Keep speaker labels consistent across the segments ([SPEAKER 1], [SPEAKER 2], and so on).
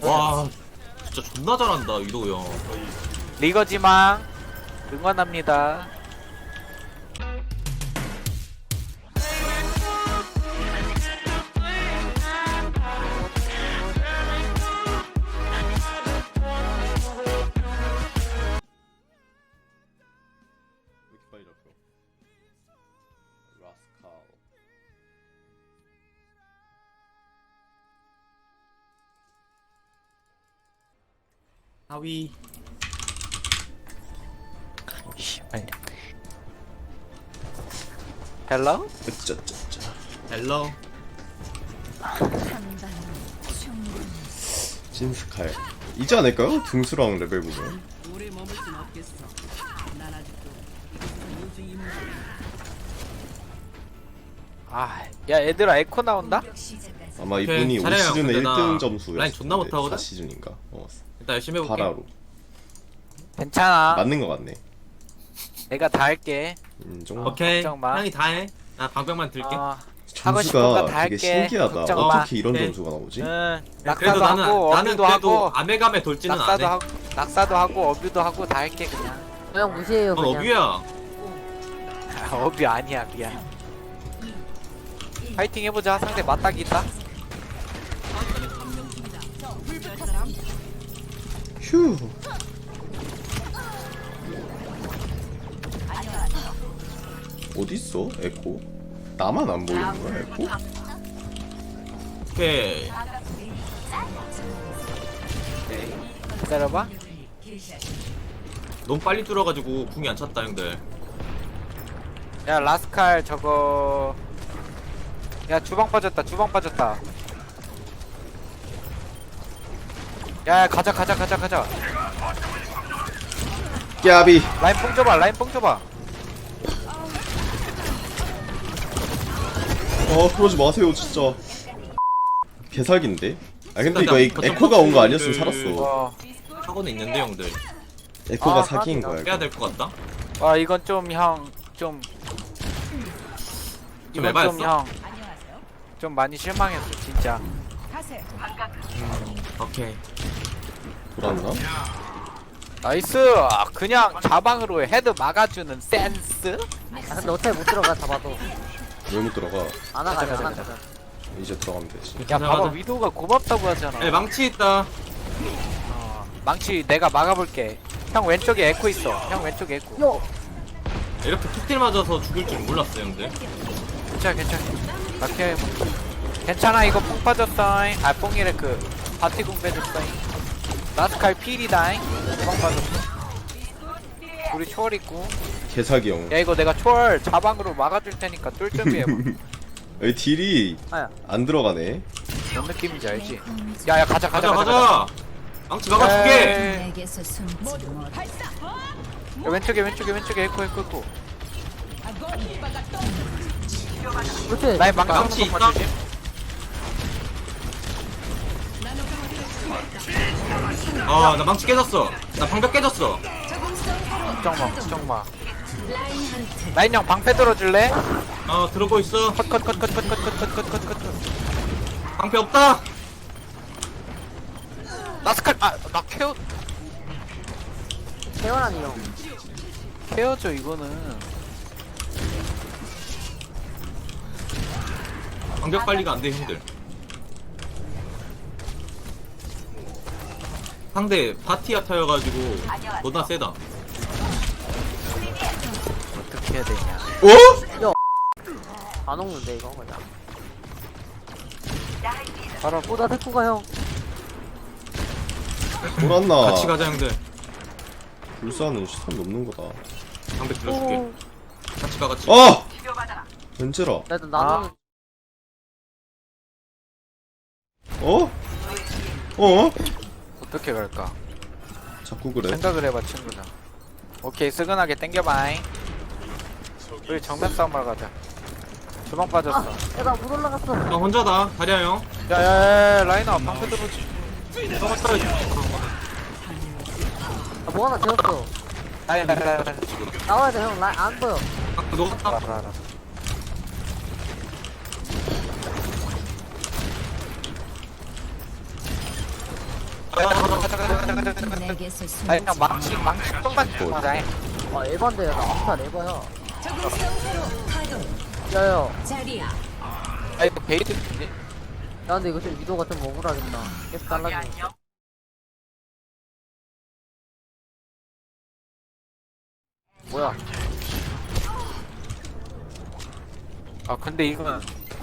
[SPEAKER 1] 와 진짜 존나 잘한다 위도우 형.
[SPEAKER 2] 리거지망 응원합니다.
[SPEAKER 3] 왜 이렇게 빨리 잡혀? 라스칼.
[SPEAKER 1] 하위.
[SPEAKER 2] 씨발. 헬로?
[SPEAKER 3] 으짜짜짜.
[SPEAKER 1] 헬로.
[SPEAKER 3] 신스칼. 이지 않을까요? 등수랑 레벨 보면.
[SPEAKER 4] 오래 머물 순 없겠어. 난 아직도 우주 임무.
[SPEAKER 2] 아, 야 얘들아 에코 나온다?
[SPEAKER 3] 아마 이분이 올
[SPEAKER 1] 잘해요.
[SPEAKER 3] 시즌에
[SPEAKER 1] 근데 나
[SPEAKER 3] 1등 점수였어.
[SPEAKER 1] 라인 존나 못하거든?
[SPEAKER 3] 4시즌인가?
[SPEAKER 1] 일단 열심히 해볼게.
[SPEAKER 3] 파라로.
[SPEAKER 2] 괜찮아.
[SPEAKER 3] 맞는 거 같네.
[SPEAKER 2] 내가 다 할게.
[SPEAKER 3] 인정.
[SPEAKER 1] 오케이.
[SPEAKER 2] 걱정 마.
[SPEAKER 1] 형이 다 해. 나 방벽만 들게.
[SPEAKER 2] 하고 싶은 거
[SPEAKER 3] 점수가
[SPEAKER 2] 다
[SPEAKER 3] 되게
[SPEAKER 2] 할게.
[SPEAKER 3] 신기하다.
[SPEAKER 2] 걱정 마.
[SPEAKER 3] 어떻게 이런
[SPEAKER 1] 네.
[SPEAKER 3] 점수가 나오지?
[SPEAKER 2] 응.
[SPEAKER 1] 그래도
[SPEAKER 2] 낙사도 하고
[SPEAKER 1] 나는
[SPEAKER 2] 어뷰도
[SPEAKER 1] 그래도
[SPEAKER 2] 하고
[SPEAKER 1] 아메감에 돌지는 안
[SPEAKER 2] 낙사도
[SPEAKER 1] 해.
[SPEAKER 2] 하고 낙사도 하고 어뷰도 하고 다 할게 그냥.
[SPEAKER 5] 그냥 무시해요
[SPEAKER 1] 넌
[SPEAKER 5] 그냥.
[SPEAKER 1] 어뷰야.
[SPEAKER 2] 아, 어뷰 아니야 미안. 파이팅 해보자. 상대 맞닥이 있다.
[SPEAKER 3] 휴. 어딨어? 에코? 나만 안 보이는 거야, 에코?
[SPEAKER 1] 오케이.
[SPEAKER 2] 기다려봐.
[SPEAKER 1] 너무 빨리 뚫어가지고 궁이 안 찼다 형들.
[SPEAKER 2] 야 라스칼 저거. 야 주방 빠졌다. 주방 빠졌다. 야 가자.
[SPEAKER 3] 깨비.
[SPEAKER 2] 라인 뽕 줘봐. 라인 뽕 줘봐.
[SPEAKER 3] 그러지 마세요, 진짜. 개사기인데? 아, 근데 이거
[SPEAKER 1] 일단
[SPEAKER 3] 에코가 온 거 아니었으면
[SPEAKER 1] 그-
[SPEAKER 3] 살았어.
[SPEAKER 1] 하고는 있는데 형들.
[SPEAKER 3] 에코가
[SPEAKER 2] 아,
[SPEAKER 3] 사기인 거야,
[SPEAKER 1] 빼야
[SPEAKER 3] 이거.
[SPEAKER 1] 될 것 같다.
[SPEAKER 2] 와 이건 좀 형 좀.
[SPEAKER 1] 좀
[SPEAKER 2] 이건
[SPEAKER 1] 에바였어?
[SPEAKER 2] 좀 형. 좀 많이 실망했어 진짜.
[SPEAKER 1] 오케이.
[SPEAKER 3] 돌았나?
[SPEAKER 2] 나이스. 그냥 자방으로 헤드 막아주는 센스.
[SPEAKER 5] 아, 근데 어차피 못 들어가 잡아도.
[SPEAKER 3] 왜 못 들어가?
[SPEAKER 5] 안 나가자 안 나가자.
[SPEAKER 3] 이제 들어가면 되지.
[SPEAKER 2] 야
[SPEAKER 1] 가자,
[SPEAKER 2] 봐봐
[SPEAKER 1] 가자.
[SPEAKER 2] 위도가 고맙다고 하잖아.
[SPEAKER 1] 에 망치 있다.
[SPEAKER 2] 망치 내가 막아볼게. 형 왼쪽에 에코 있어. 형 왼쪽에 에코.
[SPEAKER 5] 요.
[SPEAKER 1] 이렇게 툭딜 맞아서 죽을 줄 몰랐어 형들.
[SPEAKER 2] 괜찮아. 막혀. 괜찮아 이거 뽕 빠졌어. 아 뽕이래 그 바티궁 빼줬어. 라스칼 필이다잉. 뽕 빠졌어. 우리 초월 있고.
[SPEAKER 3] 개사기 형.
[SPEAKER 2] 야 이거 내가 초월 자방으로 막아줄 테니까 뚫 준비해봐.
[SPEAKER 3] 여기 딜이
[SPEAKER 5] 아야.
[SPEAKER 3] 안 들어가네.
[SPEAKER 2] 뭔 느낌인지 알지? 야야 가자.
[SPEAKER 1] 가자. 망치 막아줄게.
[SPEAKER 6] 내게서 숨지 못.
[SPEAKER 2] 야, 왼쪽에 에코.
[SPEAKER 5] 그렇지.
[SPEAKER 2] 나의 망치
[SPEAKER 1] 망치
[SPEAKER 2] 한번
[SPEAKER 1] 있다?
[SPEAKER 2] 주지.
[SPEAKER 1] 나 망치 깨졌어. 나 방벽 깨졌어.
[SPEAKER 2] 걱정 마. 라인 형 방패 들어줄래?
[SPEAKER 1] 들어고 있어.
[SPEAKER 2] 컷.
[SPEAKER 1] 방패 없다.
[SPEAKER 2] 라스칼 나 케어
[SPEAKER 5] 태어나니 형.
[SPEAKER 2] 케어줘 이거는.
[SPEAKER 1] 방벽 관리가 안 돼 형들. 상대 바티아 타여가지고 너나 세다.
[SPEAKER 2] 어떻게 해야 되냐?
[SPEAKER 5] 안 오는데 이거 그냥.
[SPEAKER 2] 바로
[SPEAKER 5] 오나 데코가 형.
[SPEAKER 3] 돌았나?
[SPEAKER 1] 같이 가자 형들.
[SPEAKER 3] 불사는 시선 넘는 거다.
[SPEAKER 1] 방벽 들어줄게. 같이 가.
[SPEAKER 3] 벤제라.
[SPEAKER 5] 나 일단 나는
[SPEAKER 2] 어떻게 갈까?
[SPEAKER 3] 자꾸 그래.
[SPEAKER 2] 생각을 해봐 친구들. 오케이 스근하게 땡겨봐잉. 우리 정면 싸움하러 가자. 주방 빠졌어.
[SPEAKER 5] 야나 못 올라갔어.
[SPEAKER 1] 형 혼자다. 다리야 형.
[SPEAKER 2] 야야야 라인아 방패 들어오지.
[SPEAKER 1] 너가 떨어지.
[SPEAKER 5] 뭐 하나 되었어.
[SPEAKER 2] 라인
[SPEAKER 5] 나와야 돼 형. 안 보여.
[SPEAKER 1] 너가
[SPEAKER 2] 알아.
[SPEAKER 6] 내게서 숨
[SPEAKER 2] 아니 그냥 망치 조금만 맞아.
[SPEAKER 5] 에반데요. 나 암살 에바야.
[SPEAKER 6] 적응성으로 가동
[SPEAKER 5] 야야.
[SPEAKER 6] 자리야
[SPEAKER 2] 아 이거 베이드인데?
[SPEAKER 5] 야 근데 이거 좀 위도가 좀 억울하겠다. 계속 잘라주니까. 뭐야?
[SPEAKER 2] 아 근데 이거는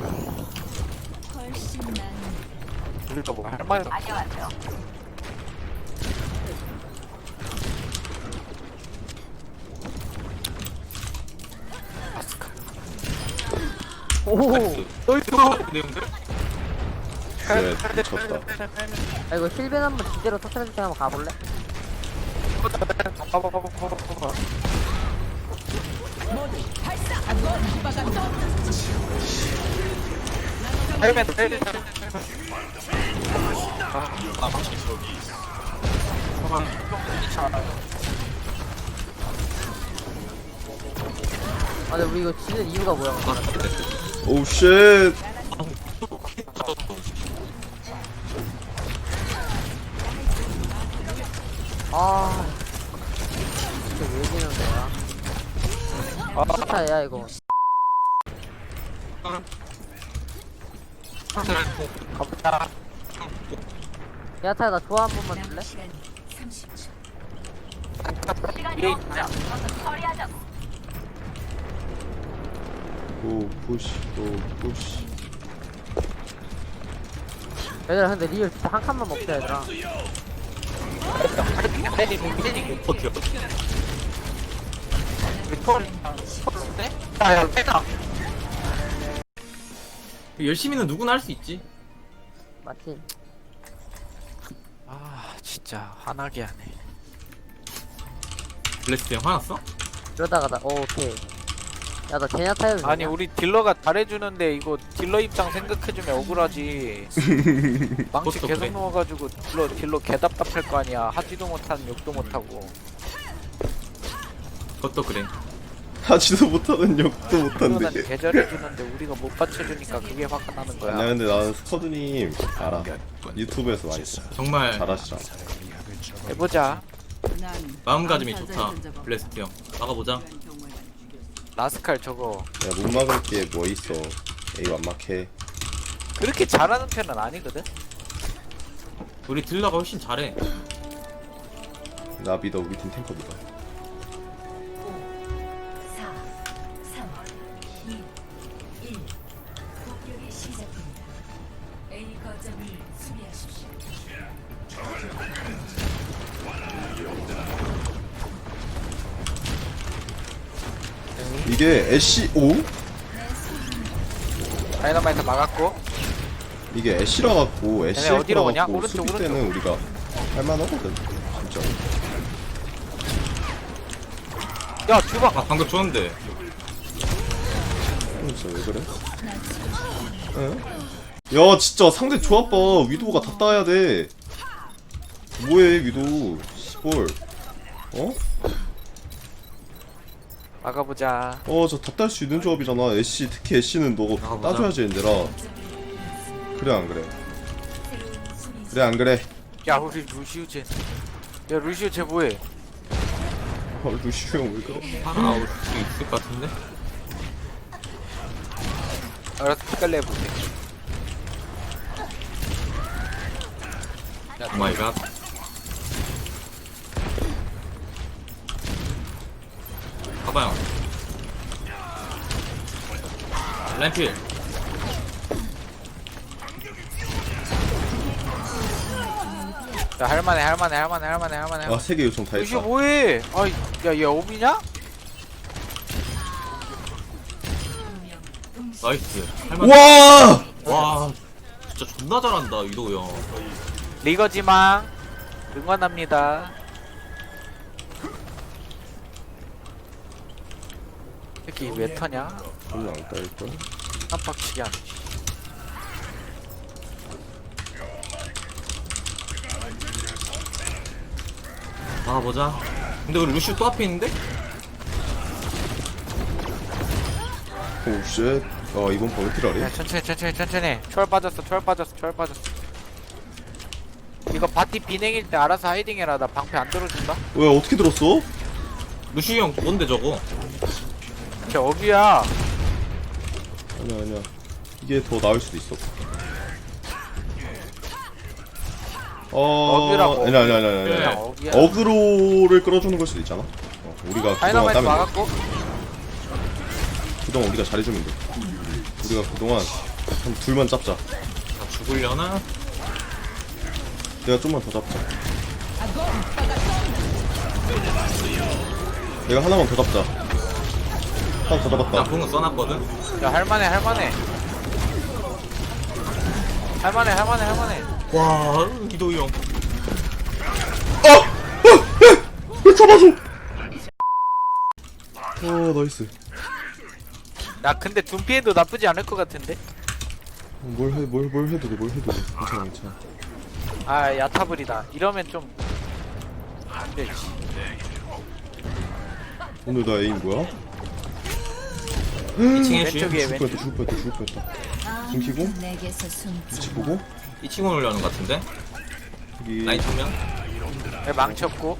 [SPEAKER 6] 훨씬 난
[SPEAKER 2] 우리가 뭐 할 말이 없어.
[SPEAKER 5] 오.
[SPEAKER 1] 내용들?
[SPEAKER 3] 그래 미쳤다.
[SPEAKER 5] 아 이거 실벤 한번 제대로 터트려줄 때 한번 가볼래?
[SPEAKER 2] 헬멧
[SPEAKER 1] 아 망치 있어.
[SPEAKER 5] 아 근데 우리 이거 지는 이유가 뭐야?
[SPEAKER 3] 오우 쉣.
[SPEAKER 5] 아. 이게 왜 지는 거야? 스타야 이거.
[SPEAKER 2] 가보자.
[SPEAKER 5] 야타야 나 좋아 한 번만 줄래?
[SPEAKER 6] 시간 30초
[SPEAKER 3] 오 푸시 오 푸시.
[SPEAKER 5] 얘들아 근데 리얼 진짜 한 칸만 먹자 얘들아.
[SPEAKER 1] 버텨.
[SPEAKER 2] 야야 빼다.
[SPEAKER 1] 열심히는 누구나 할 수 있지.
[SPEAKER 5] 맞지?
[SPEAKER 2] 아 진짜 화나게 하네.
[SPEAKER 1] 블레스트 형 화났어?
[SPEAKER 5] 이러다가 나 오케이. 야 나 제냐타 해도
[SPEAKER 2] 아니
[SPEAKER 5] 되냐?
[SPEAKER 2] 우리 딜러가 잘해주는데 이거 딜러 입장 생각해주면 억울하지. 망치
[SPEAKER 1] 그것도
[SPEAKER 2] 계속
[SPEAKER 1] 그래.
[SPEAKER 2] 넣어가지고 딜러 개답답할 거 아니야. 하지도 못하는 욕도 못하고.
[SPEAKER 1] 그것도 그래.
[SPEAKER 3] 하지도 못하는 욕도
[SPEAKER 2] 딜러는
[SPEAKER 3] 못한데.
[SPEAKER 2] 개잘해주는데 우리가 못 받쳐주니까 그게 화가 나는 거야.
[SPEAKER 3] 아니야 근데 나는 스커드님 알아. 유튜브에서 많이 봤어.
[SPEAKER 1] 정말
[SPEAKER 3] 잘하시잖아.
[SPEAKER 2] 해보자.
[SPEAKER 4] 난
[SPEAKER 1] 마음가짐이
[SPEAKER 4] 암살자의
[SPEAKER 1] 좋다.
[SPEAKER 4] 전적 없다.
[SPEAKER 1] 블레스트 형. 나가보자.
[SPEAKER 4] 이런 경우에는 죽였어.
[SPEAKER 2] 라스칼 저거
[SPEAKER 3] 야못 막을 게 뭐 있어. 에이 완막해.
[SPEAKER 2] 그렇게 잘하는 편은 아니거든.
[SPEAKER 1] 우리 딜러가 훨씬 잘해.
[SPEAKER 3] 나 믿어 우리 팀 탱커 믿어.
[SPEAKER 6] 4 3 2 1 공격이 시작됩니다 A 거점을 수비하십시오
[SPEAKER 3] 이게 애쉬 오?
[SPEAKER 2] 다이너마이트 막았고.
[SPEAKER 3] 이게 애쉬라 갖고 애쉬
[SPEAKER 2] 얘네 어디로 오냐?
[SPEAKER 3] 갖고
[SPEAKER 2] 오른쪽,
[SPEAKER 3] 수비 때는 우리가 할만하거든. 진짜.
[SPEAKER 2] 야 주방.
[SPEAKER 1] 아 방금 좋았는데.
[SPEAKER 3] 진짜 왜 그래? 응? 야 진짜 상대 조합 봐. 위도우가 다 따야 돼. 뭐해 위도우 시볼. 어?
[SPEAKER 2] 막아보자.
[SPEAKER 3] 저 다 딸 수 있는 조합이잖아. 애쉬 특히 애쉬는 너가
[SPEAKER 1] 나가보자.
[SPEAKER 3] 따줘야지 얘들아. 그래 안 그래? 그래 안 그래?
[SPEAKER 2] 야 우리 루시우 쟤. 야 루시우 쟤 뭐해?
[SPEAKER 3] 루시우 형 왜 그래?
[SPEAKER 1] 하나 올 수 있을 것 같은데?
[SPEAKER 2] 알아서 피갈래 해볼게.
[SPEAKER 1] 오 마이 갓. 가봐요. 램필.
[SPEAKER 2] 야 할만해.
[SPEAKER 3] 아 3개 요청 다
[SPEAKER 2] 루시우
[SPEAKER 3] 했다.
[SPEAKER 2] 뭐해? 아이 야얘 오비냐?
[SPEAKER 1] 나이스. 할만.
[SPEAKER 3] 와!
[SPEAKER 1] 와. 진짜 존나 잘한다 이도우 형.
[SPEAKER 2] 리거지망 응원합니다. 새끼 왜 터냐?
[SPEAKER 3] 별로 안 깔걸?
[SPEAKER 2] 깜빡치게 하네.
[SPEAKER 1] 나가보자. 근데 우리 루시우 또 앞에 있는데?
[SPEAKER 3] 오 쉣. 이번 버티라래?
[SPEAKER 2] 야 천천히. 초월 빠졌어. 이거 바티 비냉일 때 알아서 하이딩해라. 나 방패 안 들어준다.
[SPEAKER 3] 왜 어떻게 들었어?
[SPEAKER 1] 루시 형 뭔데 저거?
[SPEAKER 2] 쟤 어비야.
[SPEAKER 3] 아니야 아니야. 이게 더 나을 수도 있어.
[SPEAKER 2] 어그라고.
[SPEAKER 3] 아니야 아니야 아니야
[SPEAKER 1] 그래.
[SPEAKER 3] 아니야.
[SPEAKER 2] 어비야.
[SPEAKER 3] 어그로를 끌어주는 걸 수도 있잖아. 우리가 그동안
[SPEAKER 2] 다이너마이트
[SPEAKER 3] 따면 돼.
[SPEAKER 2] 막았고.
[SPEAKER 3] 그동안 우리가 잘해주면 돼. 우리가 그동안 한 둘만 잡자.
[SPEAKER 1] 나 죽으려나?
[SPEAKER 3] 내가 좀만 더 잡자. 내가 하나만 더 잡자. 하나 더
[SPEAKER 1] 나
[SPEAKER 3] 잡았다.
[SPEAKER 1] 궁은 써놨거든?
[SPEAKER 2] 야 할만해 할만해. 할만해.
[SPEAKER 1] 와 이도희 형
[SPEAKER 3] 왜 잡아줘? 나이스.
[SPEAKER 2] 야 근데 둠피해도 나쁘지 않을 것 같은데?
[SPEAKER 3] 뭘 해도 돼, 뭘 해도 돼. 괜찮아.
[SPEAKER 2] 아 야타불이다. 이러면 좀 안되지.
[SPEAKER 3] 오늘 나 에임 뭐야?
[SPEAKER 1] 2층에 슈
[SPEAKER 2] 왼쪽에 왼쪽.
[SPEAKER 3] 죽을 뻔했다. 숨기고,
[SPEAKER 6] 내게서 숨지
[SPEAKER 3] 위치 보고,
[SPEAKER 1] 2층 올려는 것 같은데?
[SPEAKER 3] 여기.
[SPEAKER 1] 라인 정면?
[SPEAKER 2] 망쳤고.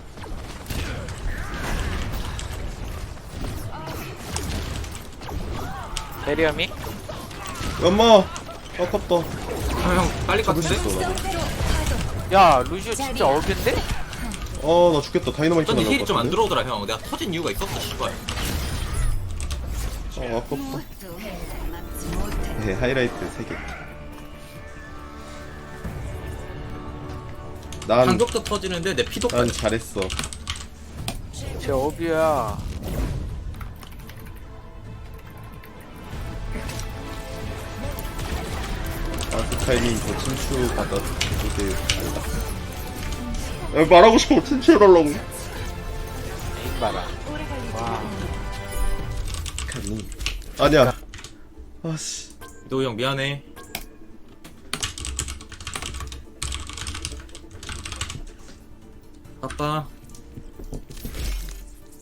[SPEAKER 2] 베리엄이?
[SPEAKER 3] 엄마! 아깝다.
[SPEAKER 1] 형 빨리
[SPEAKER 3] 잡을 수
[SPEAKER 1] 같은데?
[SPEAKER 3] 있어, 나도.
[SPEAKER 2] 야 루시오 진짜 어빈데?
[SPEAKER 3] 나 죽겠다. 다이너마이트
[SPEAKER 1] 어쩐지
[SPEAKER 3] 날라올
[SPEAKER 1] 힐이
[SPEAKER 3] 것
[SPEAKER 1] 좀 안
[SPEAKER 3] 같은데?
[SPEAKER 1] 들어오더라 형 내가 터진 이유가 있었어 씨발
[SPEAKER 3] 아깝다.
[SPEAKER 6] 또 막지 못해.
[SPEAKER 3] 네, 하이라이트 3개. 난
[SPEAKER 1] 간격도 터지는데 내 피도 빠져
[SPEAKER 3] 잘했어.
[SPEAKER 2] 쟤 어비야.
[SPEAKER 3] 타이밍 더 친추 받아 주세요. 말하고 싶어. 친추해달라고.
[SPEAKER 2] 에임 봐라.
[SPEAKER 3] 아니야. 아씨.
[SPEAKER 1] 이도희 형 미안해 아빠